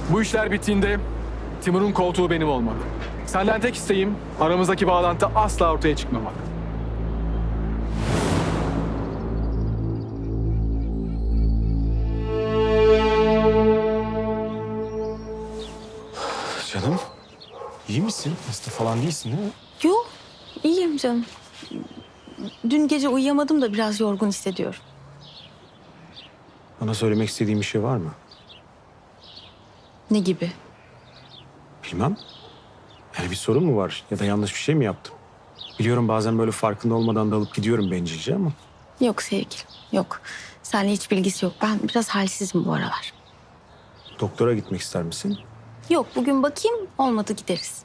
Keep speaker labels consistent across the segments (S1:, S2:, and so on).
S1: Bu işler bittiğinde Timur'un koltuğu benim olmalı. Senden tek isteğim aramızdaki bağlantı asla ortaya çıkmamalı.
S2: Canım, iyi misin? Hasta falan değilsin değil mi?
S3: Yok, iyiyim canım. Dün gece uyuyamadım da biraz yorgun hissediyorum.
S2: Bana söylemek istediğin bir şey var mı?
S3: Ne gibi?
S2: Bilmem. Yani bir sorun mu var ya da yanlış bir şey mi yaptım? Biliyorum bazen böyle farkında olmadan dalıp gidiyorum bencilce ama.
S3: Yok sevgilim, yok. Seninle hiç bilgisi yok. Ben biraz halsizim bu aralar.
S2: Doktora gitmek ister misin?
S3: Yok, bugün bakayım, olmadı gideriz.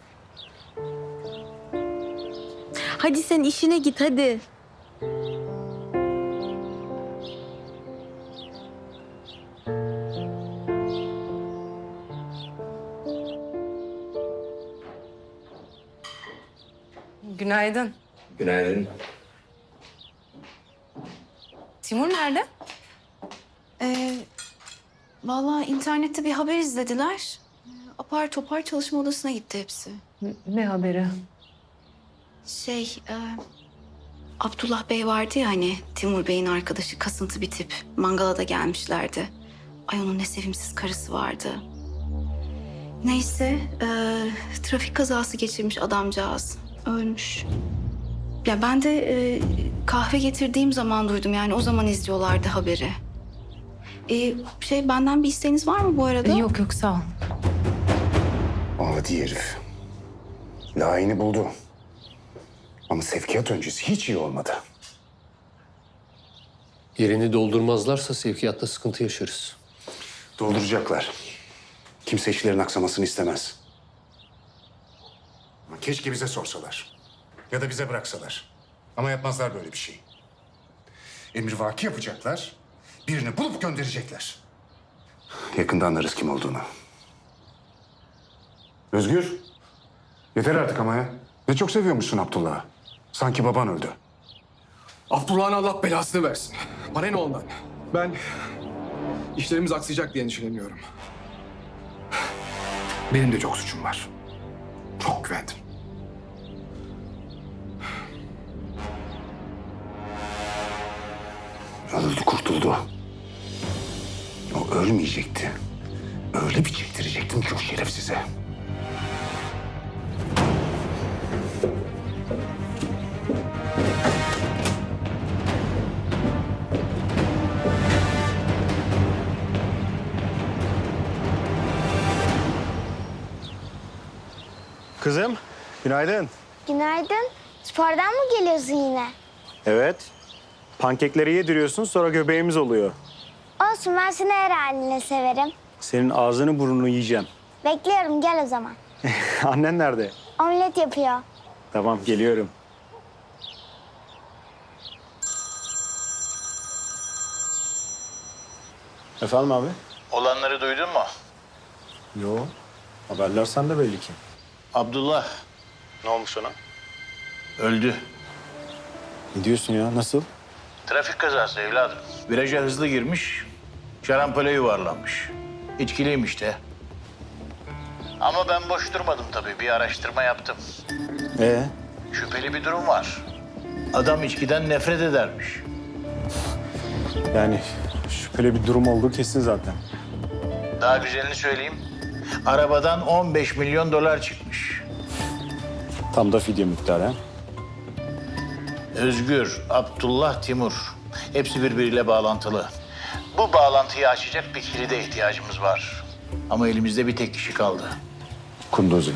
S3: Hadi sen işine git, hadi.
S4: Günaydın.
S5: Günaydın.
S4: Timur nerede?
S6: Vallahi internette bir haber izlediler. Apar topar çalışma odasına gitti hepsi.
S4: Ne haberi?
S6: Abdullah Bey vardı ya hani Timur Bey'in arkadaşı kasıntı bir tip. Mangala da gelmişlerdi. Ay onun ne sevimsiz karısı vardı. Neyse trafik kazası geçirmiş adamcağız. Ölmüş. Ya ben de kahve getirdiğim zaman duydum yani o zaman izliyorlardı haberi. Benden bir isteğiniz var mı bu arada?
S4: Yok yok sağ ol.
S5: Adi herif. Layığını buldu. Ama sevkiyat öncesi hiç iyi olmadı.
S7: Yerini doldurmazlarsa sevkiyatta sıkıntı yaşarız.
S5: Dolduracaklar. Kimse işlerin aksamasını istemez. Ama keşke bize sorsalar. Ya da bize bıraksalar. Ama yapmazlar böyle bir şey. Emrivaki yapacaklar. Birini bulup gönderecekler. Yakında anlarız kim olduğunu. Özgür. Yeter artık ama ya. Ne çok seviyormuşsun Abdullah'ı. Sanki baban öldü.
S1: Abdullah'ın Allah belasını versin. Bana ne ondan? Ben işlerimiz aksayacak diye endişeleniyorum.
S5: Benim de çok suçum var. Çok güvendim. Öldü, kurtuldu. O ölmeyecekti. Öyle bir çektirecektim ki o şerefsize.
S2: Kızım, günaydın.
S8: Günaydın. Spordan mı geliyorsun yine?
S2: Evet. Pankekleri yediriyorsun sonra göbeğimiz oluyor.
S8: Olsun, ben seni her haline severim.
S2: Senin ağzını burnunu yiyeceğim.
S8: Bekliyorum, gel o zaman.
S2: Annen nerede?
S8: Omlet yapıyor.
S2: Tamam, geliyorum. Efendim abi?
S9: Olanları duydun mu?
S2: Yo. Haberler sende belli ki.
S9: Abdullah
S2: Ne olmuş ona?
S9: öldü.
S2: Ne diyorsun ya? Nasıl?
S9: Trafik kazası evladım. Viraja hızlı girmiş, şarampole yuvarlanmış. İçkiliymiş de. Ama ben boş durmadım tabii. Bir araştırma yaptım. Şüpheli bir durum var. Adam içkiden nefret edermiş.
S2: Yani şüpheli bir durum olduğu kesin zaten.
S9: Daha güzelini söyleyeyim. Arabadan 15 milyon dolar çıkmış.
S2: Tam da fidye miktarı ha?
S9: Özgür, Abdullah, Timur. Hepsi birbiriyle bağlantılı. Bu bağlantıyı açacak bir kilide ihtiyacımız var. Ama elimizde bir tek kişi kaldı.
S5: Kunduzi.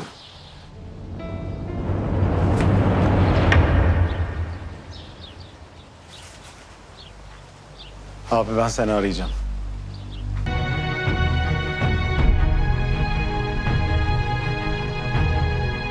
S2: Abi ben seni arayacağım.